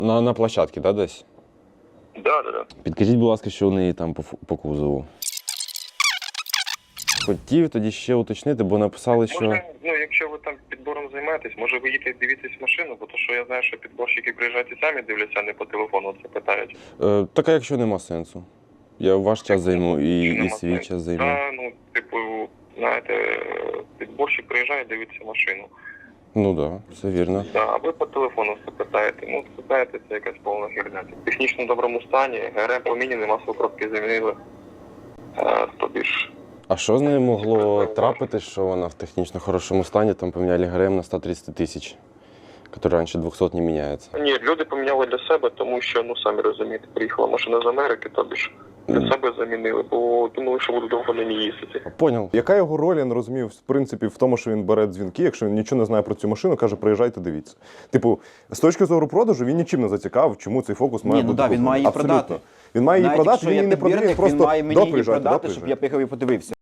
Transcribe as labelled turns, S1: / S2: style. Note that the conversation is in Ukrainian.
S1: На площадці, да, десь?
S2: Да.
S1: Підкажіть, будь ласка, що у неї там по кузову. Хотів тоді ще уточнити, бо написали, що...
S2: Може, якщо ви там підбором займаєтесь, може ви їдете дивитесь машину, бо то, що я знаю, що підборщики приїжджають і самі дивляться, а не по телефону це питають.
S1: Так, а якщо нема сенсу? Я ваш час займу і свій час займу.
S2: Знаєте, підборщик приїжджає, дивиться машину.
S1: Ну так, все вірно.
S2: А ви по телефону все питаєте. Питаєте, це якась повна херня. В технічно доброму стані, ГРМ поміняний, масло коробки замінили. Тобі ж...
S1: А що з нею могло трапити, що вона в технічно хорошому стані, там поміняли ГРМ на 130 тисяч, який раніше 200 не міняється?
S2: Ні, люди поміняли для себе, тому що, самі розумієте, приїхала машина з Америки, тобі ж для себе замінили, бо думали, що будуть довго на ній їздити.
S1: Поняв.
S3: Яка його роль, я не розумію, в принципі, в тому, що він бере дзвінки, якщо він нічого не знає про цю машину, каже, приїжджайте, дивіться. Типу, з точки зору продажу, він нічим не зацікавив, чому цей фокус має бути куплений.
S4: Він має її продати.
S3: Він має її
S4: Навіть
S3: продати,
S4: якщо
S3: він
S4: я
S3: її не продає, він
S4: підбірник, він
S3: просто
S4: має мені її
S3: приїжджайте,
S4: продати, щоб я приїхав і подивився.